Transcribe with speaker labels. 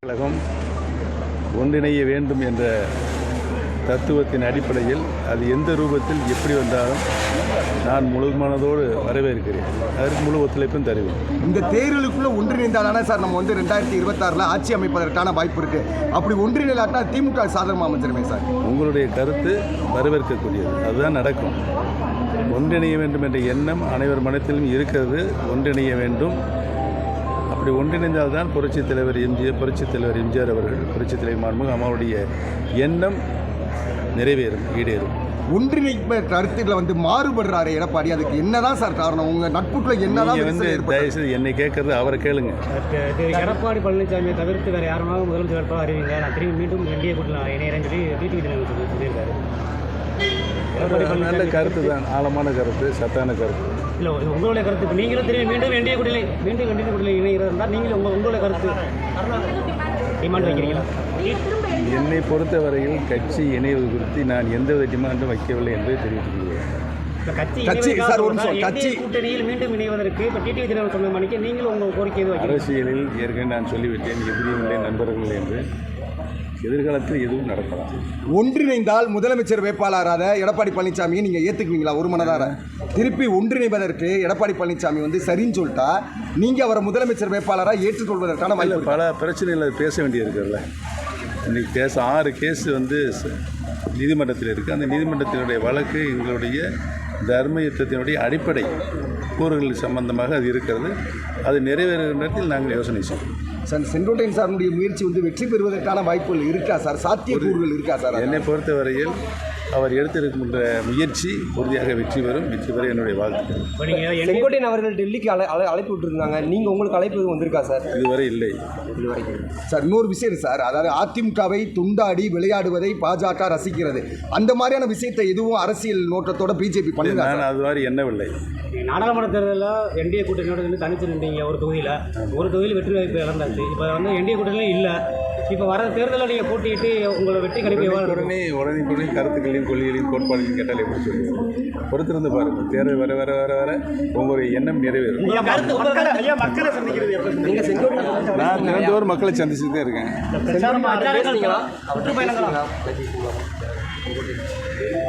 Speaker 1: கழகம் ஒன்றிணைய வேண்டும் என்ற தத்துவத்தின் அடிப்படையில் அது எந்த ரூபத்தில் எப்படி வந்தாலும் நான் முழு மனதோடு வரவேற்கிறேன். அதற்கு முழு ஒத்துழைப்பும் தருவேன்.
Speaker 2: இந்த தேர்தலுக்குள்ள ஒன்றிணைந்தாதானே சார் நம்ம 2026 ஆட்சி அமைப்பதற்கான வாய்ப்பு இருக்கு. அப்படி ஒன்றிணைலாட்டினா திமுக சாதகமாக அமைச்சிருமே சார். உங்களுடைய
Speaker 1: கருத்து வரவேற்கக்கூடியது. அதுதான் நடக்கும். ஒன்றிணைய வேண்டும் என்ற எண்ணம் அனைவர் மனத்திலும் இருக்கிறது. ஒன்றிணைய வேண்டும். அப்படி ஒன்றிணைந்தால்தான் புரட்சித் தலைவர் எம்ஜிஆர் அவர்கள், புரட்சித் தலைவர் மாண்புமிகு அம்மாவுடைய எண்ணம் நிறைவேறும், ஈடேறும்.
Speaker 2: ஒன்றிணைப்பு கருத்துக்களை மாறுபடுறாரு எடப்பாடி. அதுக்கு என்னதான் சார் காரணம்? உங்க நட்புக்குள்ள என்னதான்
Speaker 1: தயவுசெய்து என்னை கேட்கறது அவரை கேளுங்க.
Speaker 3: எடப்பாடி பழனிசாமியை தவிர்த்து வேற யாருமாக முதலமைச்சர் வேட்பாளர் அறிவிங்க, நான் திரும்பி மீண்டும் என்டிஏ கூட்டத்தில் இணையறேன்னு சொல்லி டிடிவி தினகரன் சொல்லியிருக்காரு.
Speaker 1: நல்ல கருத்து தான், ஆழமான கருத்து, சத்தான கருத்து.
Speaker 3: இல்லை, உங்களுடைய கருத்து நீங்களும் திரும்பி மீண்டும் என்டிஏ கூட்டத்தில் இணைகிறதா இருந்தால் நீங்களும் உங்களுடைய கருத்து டிமாண்ட் வைக்கிறீங்களா?
Speaker 1: என்னை பொறுத்தவரையில் கட்சி இணைவது குறித்து நான் எந்தவித டிமாண்டும் வைக்கவில்லை என்பதை தெரிவித்துள்ளேன்.
Speaker 3: கூட்டணியில் மீண்டும் இணைவதற்கு இப்போ டிடிவி தினகரன் சொன்ன மணிக்கு நீங்களும் உங்கள் கோரிக்கை
Speaker 1: அரசியலில் ஏற்கனவே நான் சொல்லிவிட்டேன், எதிரியுடைய நண்பர்கள் என்று. எதிர்காலத்தில் எதுவும் நடக்கலாம்.
Speaker 2: ஒன்றிணைந்தால் முதலமைச்சர் வேட்பாளராக எடப்பாடி பழனிசாமியை நீங்கள் ஏற்றுக்குவீங்களா? ஒரு மனதார திருப்பி ஒன்றிணைவதற்கு எடப்பாடி பழனிசாமி சரின்னு சொல்லிட்டா நீங்கள் அவரை முதலமைச்சர் வேட்பாளராக ஏற்றுக்கொள்வதற்கான வாய்ப்பு?
Speaker 1: பல பிரச்சனைகள் பேச வேண்டியிருக்குல்ல. இன்றைக்கி 6 கேஸ் நீதிமன்றத்தில் இருக்குது. அந்த நீதிமன்றத்தினுடைய வழக்கு எங்களுடைய தர்ம யுத்தத்தினுடைய அடிப்படை கூறுகள் சம்பந்தமாக அது இருக்கிறது. அது நிறைவேறுகிற நேரத்தில் நாங்கள் யோசனை செய்வோம்.
Speaker 2: சார், செங்கோட்டையன் சாருடைய முயற்சி வெற்றி பெறுவதற்கான வாய்ப்புகள் இருக்கா சார்? சாத்தியக்கூறுகள் இருக்கா சார்?
Speaker 1: என்னை பொறுத்தவரையில் அவர் எடுத்திருக்கின்ற முயற்சி உறுதியாக வெற்றி பெறும். வெற்றி பெற என்னுடைய வாழ்த்துக்கள்.
Speaker 3: செங்கோட்டையன் அவர்கள் டெல்லிக்கு அழைப்பு விட்டுருந்தாங்க. நீங்கள் உங்களுக்கு அழைப்பு எதுவும் வந்திருக்கா சார்?
Speaker 1: இதுவரை இல்லை.
Speaker 2: சார், இன்னொரு விஷயம் சார், அதாவது அதிமுகவை துண்டாடி விளையாடுவதை பாஜக ரசிக்கிறது. அந்த மாதிரியான விஷயத்தை எதுவும் அரசியல் நோக்கத்தோட பிஜேபி பண்ணுங்க.
Speaker 1: நான் அது மாதிரி எண்ணவில்லை.
Speaker 3: நாடாளுமன்ற தேர்தலில் என்டிஏ கூட்டணியோட தனிச்சு நின்றீங்க. ஒரு தொகுதியில் வெற்றி வாய்ப்பு இழந்தாச்சு. இப்போ என்டிஏ கூட்டணியும் இல்லை. இப்போ வர தேர்தலில் நீங்கள் போட்டிட்டு உங்களை வெற்றி கிடைக்க
Speaker 1: உடனே கருத்துக்களையும் கொள்கைகளையும் கோட்பாடுகளையும் கேட்டால் எப்படி சொல்லுவோம்? பொறுத்திருந்து பாருங்கள். தேர்தல் வர வர வர வர உங்களுடைய எண்ணம் நிறைவேறும். நான் தினந்தோறும் மக்களை சந்திச்சுட்டு தான் இருக்கேன்.